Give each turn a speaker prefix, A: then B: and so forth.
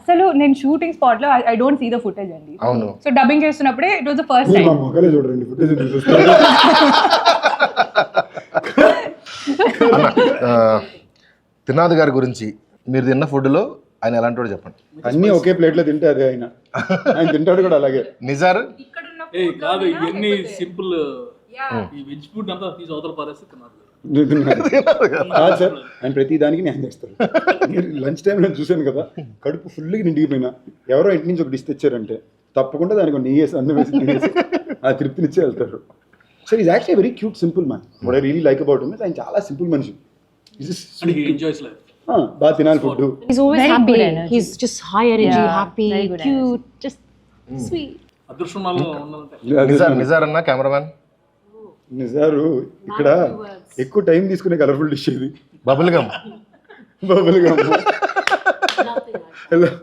A: అసలు నేను shooting spot లో I don't see the footage అండి.
B: అవును.
A: సో డబ్బింగ్ చేస్తున్నప్పుడే it was the first time.
C: మొక్కలే చూడండి ఫుటేజ్ చూస్తారు.
B: త్రినాథ్ గారి గురించి మీరు తిన్న ఫుడ్లో ఆయన ఎలాంటి వాడు చెప్పండి.
C: అన్ని ఒకే ప్లేట్లో తింటే అదే ఆయన తింటాడు కూడా అలాగే.
B: నిజారు
D: కాదు ఇవన్నీ సింపుల్ ఈ వెజ్ ఫుడ్ అంతా తీసి అవతల పారేస్తే తిన్నారు.
C: కాదు సార్, ఆయన ప్రతి దానికి న్యాయం చేస్తారు. లంచ్ టైం నేను చూశాను కదా, కడుపు ఫుల్గా నిండిగిపోయినా ఎవరో ఇంటి నుంచి ఒక డిష్ తెచ్చారంటే తప్పకుండా దానికి నెయ్యి వేసి అన్నం వేసి నెయ్యి వేసి ఆ తృప్తినిచ్చే వెళ్తారు. So is actually very cute simple man. What I really like about him ఆయన చాలా సింపుల్ మనిషి.
D: Enjoys life.
C: బాగా తినాలి food.
E: He's always
A: Very
E: happy.
A: good energy.
E: He's just high energy,
A: Yeah,
E: happy,
A: very good
E: cute, just sweet.
D: అదృష్టంలో ఉండాలంటే
B: నిజార్ అన్న cameraman
C: Nizar ఇక్కడ ఎక్కువ టైం తీసుకునే కలర్ఫుల్ డిష్ ఇది
B: బబుల్ గమ్.
C: Bubble gum.